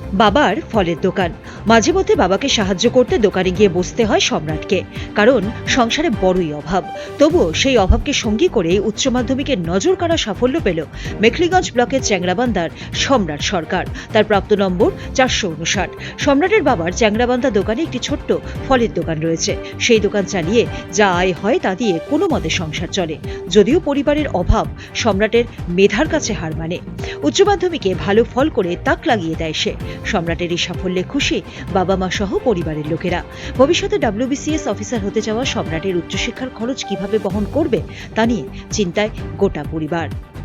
বাবার ফলের দোকান। মাঝে মধ্যে বাবাকে সাহায্য করতে দোকানে গিয়ে বসতে হয় সম্রাটকে, কারণ সংসারে বড়ই অভাব। তবুও সেই অভাবকে সঙ্গী করে উচ্চ মাধ্যমিকে নজর কাড়া সাফল্য পেল মেখলিগঞ্জ ব্লকের চ্যাংরাবান্ধার সম্রাট সরকার। তার প্রাপ্ত নম্বর 459। সম্রাটের বাবার চ্যাংরাবান্ধা দোকানে একটি ছোট্ট ফলের দোকান রয়েছে। সেই দোকান চালিয়ে যা আয় হয় তা দিয়ে কোনো মতে সংসার চলে। যদিও পরিবারের অভাব সম্রাটের মেধার কাছে হার মানে। উচ্চ মাধ্যমিকে ভালো ফল করে তাক লাগিয়ে দেয় সে। সম্রাটের এই সাফল্যে খুশি বাবা মা সহ পরিবারের লোকেরা। ভবিষ্যতে WBCS অফিসার হতে যাওয়া সম্রাটের উচ্চশিক্ষার খরচ কিভাবে বহন করবে তা নিয়ে চিন্তায় গোটা পরিবার।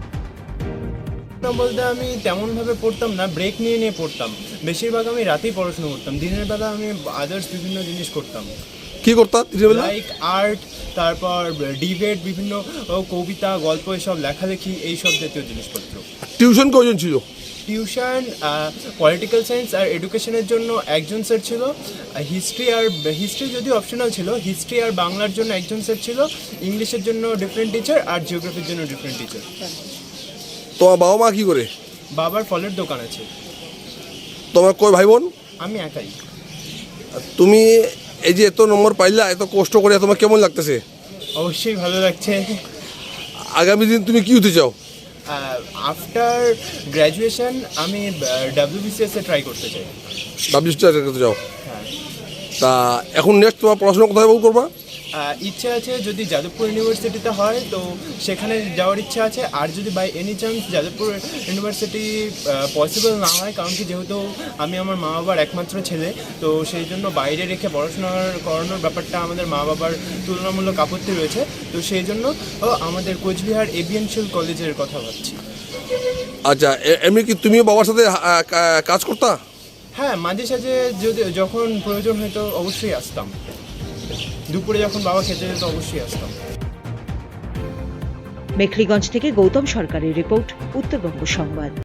বলতে আমি তেমনভাবে পড়তাম না, ব্রেক নিয়ে নিয়ে পড়তাম। বেশিরভাগ আমি রাতেই পড়াশোনা করতাম, দিনের বেলা আমি আদার্স বিভিন্ন জিনিস করতাম। কি করতাম লাইক আর্ট, তারপর ডিবেট, বিভিন্ন কবিতা, গল্প, এসব লেখালেখি, এইসব জাতীয় জিনিসপত্র। টিউশন কজন ছিল? টিউশন পলিটিক্যাল সায়েন্স আর এডুকেশনের জন্য একজন স্যার ছিল। হিস্ট্রি যদিও অপশনাল ছিল, হিস্ট্রি আর বাংলার জন্য একজন স্যার ছিল। ইংলিশের জন্য ডিফারেন্ট টিচার আর জিওগ্রাফির জন্য ডিফারেন্ট টিচার। তোমার বাবা মা কি করে? বাবার ফলের দোকান আছে। তোমার কয় ভাই বোন? আমি একাই। তুমি এই যে এত নম্বর পাইলা, এত কষ্ট করে, তোমার কেমন লাগতেছে? অবশ্যই ভালো লাগছে। আগামী দিন তুমি কি হতে চাও? আফটার গ্র্যাজুয়েশন আমি WBCS ট্রাই করতে চাই। WBCS করতে চাও? হ্যাঁ। তা এখন নেক্সট তোমার পড়াশোনা কোথায় করবা? ইচ্ছা আছে, যদি যাদবপুর ইউনিভার্সিটিতে হয় তো সেখানে যাওয়ার ইচ্ছা আছে। আর যদি by any chance Jadavpur university possible না হয়, কারণ কি যেহেতু আমি আমার মা বাবার একমাত্র ছেলে, তো সেই জন্য বাইরে রেখে পড়াশোনা করানোর ব্যাপারটা আমাদের মা বাবার তুলনামূলক আপত্তি রয়েছে। তো সেই জন্য আমাদের কোচবিহার এবিএনশিয়াল কলেজের কথা ভাবছি। আচ্ছা, এমনি কি তুমিও বাবার সাথে কাজ করতা? হ্যাঁ, মাঝে সাঝে যখন প্রয়োজন হতো অবশ্যই আসতাম। দুপুরে যখন বাবা খেতে যেত অবশ্যই আসতাম। মেখলিগঞ্জ থেকে গৌতম সরকারের রিপোর্ট, উত্তরবঙ্গ সংবাদ।